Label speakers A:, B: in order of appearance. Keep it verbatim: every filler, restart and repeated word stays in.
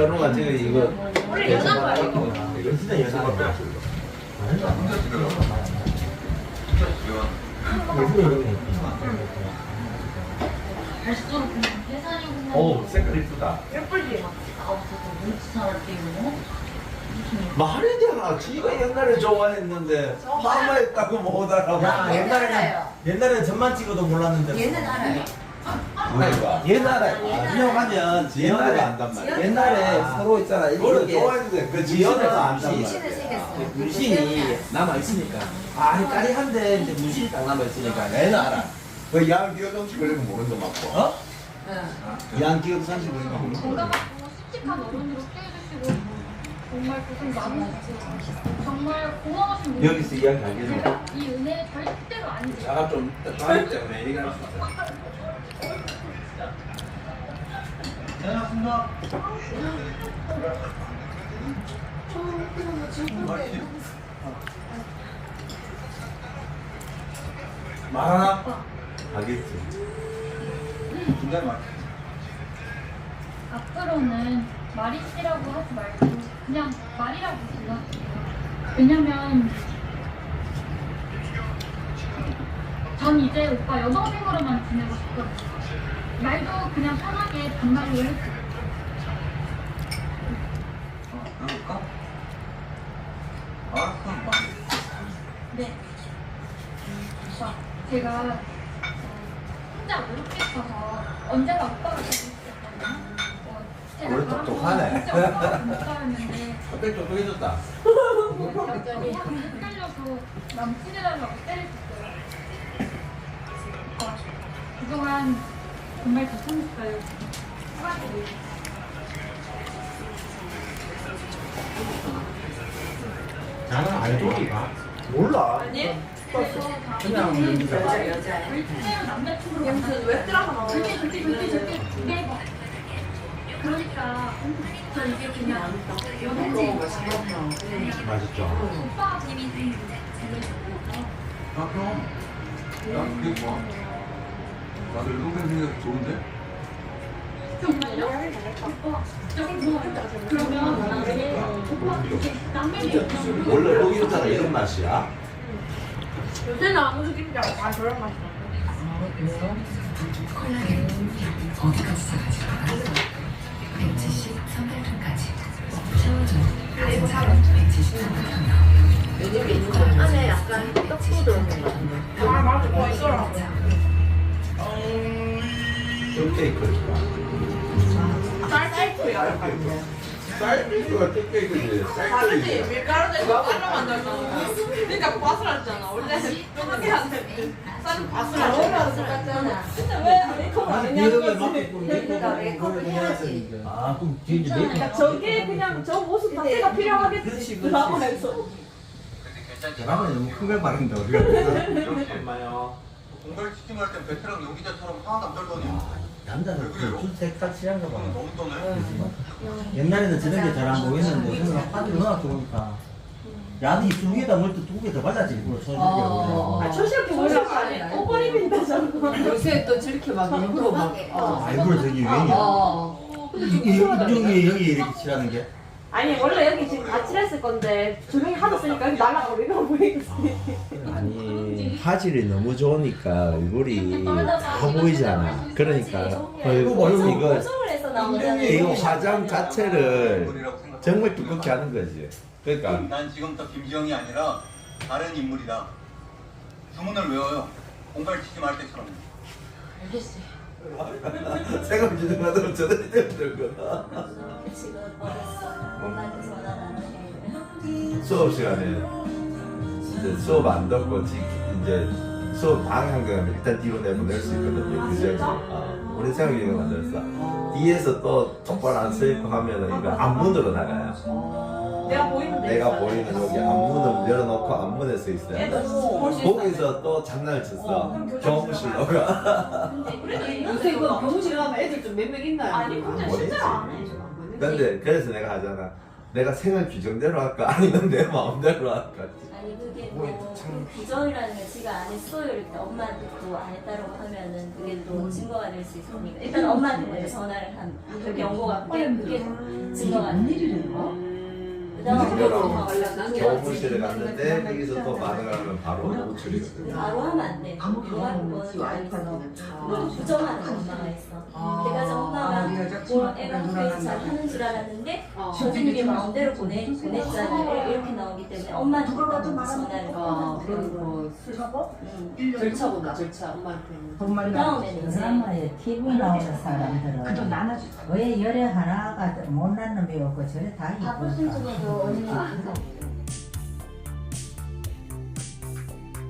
A: 현우가 지금 이거
B: 원래 연한 거야 이거.
A: 이거 진짜 연습할 거야.
B: 벌써 계산이구나.
A: 오 색깔 이쁘다.
B: 예쁘지?
A: 말이 되나? 지가 옛날에 좋아했는데 마마했다고 못 알아.
C: 야 옛날에는 옛날에는 전만 찍어도 몰랐는데
D: 얘는 알아요.
A: 그러니까 옛날에
C: 유명하면
A: 옛날에 안단 말이야.
C: 옛날에 서로 있잖아
A: 그걸
C: 이렇게
A: 좋아했는데 그 지연에서 안단 말이야.
D: 문신을 새겼어.
C: 문신이 남아 있으니까 아 까리한데 이제 문신이 딱 남아 있으니까 얘는 알아.
A: 그 양기업 정치 걸리고 모르는 거 맞고.
C: 어?
D: 응.
A: 양기업 상식 걸리고 모르는 거.
B: 건강하고 씩씩한 어른으로 깨워주시고 정말 고생 많으셨고 정말 고마우신 분.
A: 여기서 이야기 하겠네.
B: 제가 이 은혜 절대로 안 잊어요.
A: 자가 좀 다르기 때문에 얘기할 수 있어.
C: 말하나?
A: 하겠지.
C: 굉장히 많
B: 앞으로는 말이씨라고 하지 말고 그냥 말이라고 불러주세요. 왜냐면 전 이제 오빠 여동생으로만 지내고 싶거든요. 말도 그냥 편하게 반말로 해주세요.
C: 해볼까? 알았어
B: 네. 오빠, 제가 어, 혼자 외롭게 있어서 언제나 오빠가 되고 싶었거든요. 어, 제가
A: 오늘
B: 바로
A: 똑똑하네.
B: 진짜 오빠가 못 닮았는데
A: 갑자기 똑똑해졌다.
B: 갑자기 헷갈려서 남친해달라고 때렸어요. 오빠, 그동안 정말 죄송했어요. 사과드려요.
C: 나는 알도리가 몰라
B: 아니?
C: 그냥
D: 여자 여자야.
B: 절대로 남자친구로 만나지 왜 드라마 절대 절대 절대 절대 네. 그러니까 저 이게 그냥 여동생
A: 맛있죠.
B: 오빠가 재밌는
E: 아 그럼 난 그게 좋아. 나도 여동생 생각이 좋은데?
B: 정말요? 오빠 진짜 고마워요. 그러면 나중에 오빠 이렇게 남매를 있잖아.
A: 원래 목욕탕은 이런 맛이야?
B: 요새는 아무 죽임자고 다 저런 맛이야.
D: 어디까지 사가지고 백칠십 삼백원까지 채워줘. 이거 사러 백칠십 삼백원 나오면 요즘 메뉴가 안에 약간 떡도 들어있는 거 같은데.
B: 아 맞아, 그거 있더라고.
A: 뚝케이크가.
B: 쌀쌀토야.
A: 쌀국수가 뚝케이크지. 쌀국수지.
F: 밀가루 대고 쌀로 만들잖아. 그러니까 바스락잖아. 원래 쫀득해 안 돼. 쌀은 바스락.
D: 근데 왜 이거 안
C: 이렇게
D: 했냐고.
C: 막
D: 그러니까 메이크업을 해야지.
C: 아 그럼 뒤에 이제 메이크업
F: 저게 그냥 저 모습 자체가 필요하겠지.
C: 그렇지, 그렇지.
F: 드라마에서.
C: 드라마에 너무 큰 걸 바른다 우리가
A: 얼마요?
E: 공갈 치킨 할 땐 베테랑 연기자처럼 하나도 안 떨더니
C: 남자는 그 색깔 칠한가 봐
E: 너무 떠네.
C: 옛날에는 저런 게 잘 안 보이는데 요즘은 화질이 워낙 좋으니까 야도 입술 위에다 뭘 또 두 개 더 발라지 일부러
D: 어.
F: 아, 초시럽게 몰랐어. 아니, 꼬리 빈다잖아.
D: 요새 또 저렇게 막 일부러 막.
C: 아 일부러 저기 유행이야
D: 어.
C: 이게 여기 여기 이렇게 칠하는 게
F: 아니, 원래 여기 지금 다 칠했을 건데, 조명이 하도 쓰니까 여기 날라버리면 보이겠지.
A: 아니 화질이 너무 좋으니까 얼굴이 다 보이잖아. 그러니까
C: 이거
A: 이거
D: 방송을 해서 나오잖아.
A: 이거 화장 자체를 정말 두껍게 하는 거지. 그러니까
E: 난 지금부터 김지영이 아니라 다른 인물이다. 주문을 외워요. 공갈 치지 말 때처럼.
D: 알겠어요.
A: 생각 주는 거는 저들이 때문에 거다.
D: 지금 어렸어. 엄마한테 전화 안 해.
A: 수업 시간에 이제 수업 안 듣고 지- 이제 수업 방향을 일단 뒤로 내보낼 수 있거든요. 규정이. 어, 우리 생각이 이거 만들었어. 뒤에서 또 똑바로 안 서있고 하면은 이거 앞문으로 나가요.
F: 내가 보이는데.
A: 내가 보이는 여기 앞문을 열어놓고 앞문에 서 있어요.
F: 얘도 볼수 있어.
A: 거기서 또 장난을 쳤어. 교무실로 가.
F: 요새 이거 교무실 가면 애들 좀 몇 명 있나요? 아니, 근데 실제로 안 해.
A: 근데 그래서 내가 하잖아. 내가 생활 규정대로 할까? 아니면 내 마음대로 할까?
G: 아니 그게
A: 뭐,
G: 또
A: 참.
G: 부정이라는 걸 지가 안 했어요 이렇게 엄마한테 또 안 했다고 하면은 그게 또 증거가 될 수 있으니까 일단 엄마한테 먼저 전화를 한 그게 연고가 그게 그게 증거가 돼. 그다음에
A: 교무실에 갔는데 거기서 또 반응하면 바로 호출이거든요.
G: 바로 하면 안 돼. 그거는 거는 아니고 그걸 부정하는 엄마가 있어. 그래가지고 엄마가 뭐 애가 학교에서 잘 하는 줄 알았는데 선생님이 마음대로 보내 보냈잖아요. 이렇게 나오기 때문에 엄마한테 일단 전화를
F: 아,
G: 하는
F: 그런
G: 거예요.
F: 거
G: 응.
F: 절차구나, 절차. 엄마한테는.
G: 그다음에는 이제
H: 드라마에 티비 나오는 사람들은 왜 열에 하나가 못 난 놈이 없고 저래 다
G: 바쁘신
H: 이쁘니까
G: 중에도 언니